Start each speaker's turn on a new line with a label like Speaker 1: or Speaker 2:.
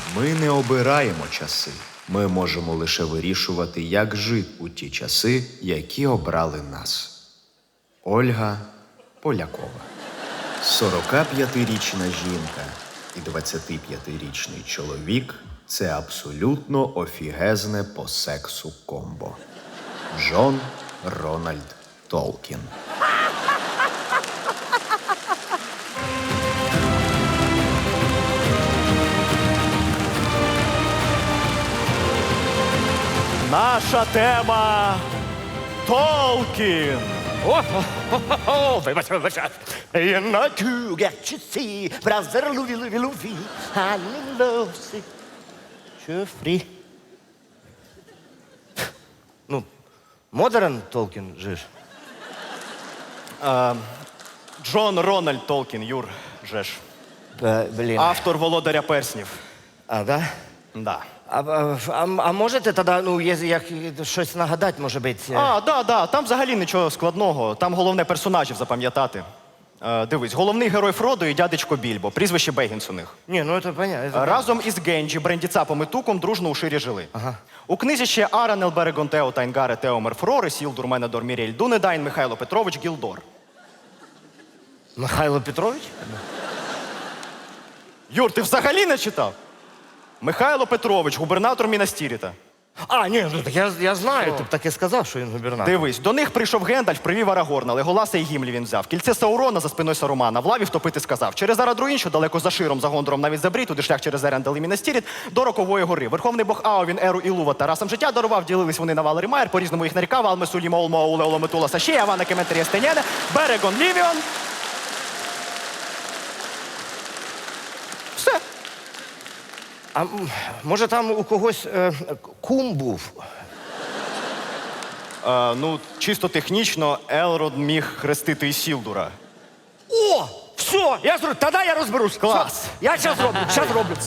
Speaker 1: Ми не обираємо часи. Ми можемо лише вирішувати, як жити у ті часи, які обрали нас. Ольга Полякова. 45-річна жінка і 25-річний чоловік – це абсолютно офігезне по сексу комбо. Джон Рональд Толкін.
Speaker 2: Наша тема Толкін.
Speaker 3: Вибач. You know to get you see, brother Louis, I'm in love, see. Що, Ну, модерн Толкін же ж.
Speaker 2: Джон Рональд Толкін, Юр, жеш.
Speaker 3: Блін.
Speaker 2: Автор «Володаря перснів».
Speaker 3: А, да?
Speaker 2: Да.
Speaker 3: А можете тоді, ну, як щось нагадати, може бути?
Speaker 2: Да. Там взагалі нічого складного. Там головне персонажів запам'ятати. Дивись, головний герой Фродо і дядечко Більбо. Прізвище Бегінс у них.
Speaker 3: Ні, ну це понятно.
Speaker 2: Разом із Генджі, Брендіцапом і Туком дружно у ширі жили. У книзі ще Аранел Берегон Тео Тайнгаре Теомер Фрори, Сілдур Менедор Мірєль Дунедайн, Михайло Петрович Гілдор.
Speaker 3: Михайло Петрович?
Speaker 2: Юр, ти взагалі не читав? Михайло Петрович, губернатор Мінастіріта.
Speaker 3: Ні, ну так я знаю, ти б так і сказав, що він губернатор.
Speaker 2: Дивись, до них прийшов Гендальф, привів Арагорна, Леголаса і Гімлі він взяв. Кільце Саурона за спиною Сарумана, в лаві втопити сказав. Через Арадруїн, що далеко за Широм, за Гондором навіть забрій, туди шлях через Ерендел і Мінастіріт, до Рокової гори. Верховний бог Аовін, Еру і Лува Тарасам життя дарував, ділились вони на Валері Майер, по-різному їх нарікав, Алмесулі, Маулма, Улеоло, Метула, Сашія, Авана, Кеметрія, Стеняне, Берегон, Лівіон. Все.
Speaker 3: А може там у когось кум був?
Speaker 2: Ну, чисто технічно, Елрод міг хрестити Ісілдура.
Speaker 3: О! Все, тоді я розберусь.
Speaker 2: Клас.
Speaker 3: Все, я зараз роблю.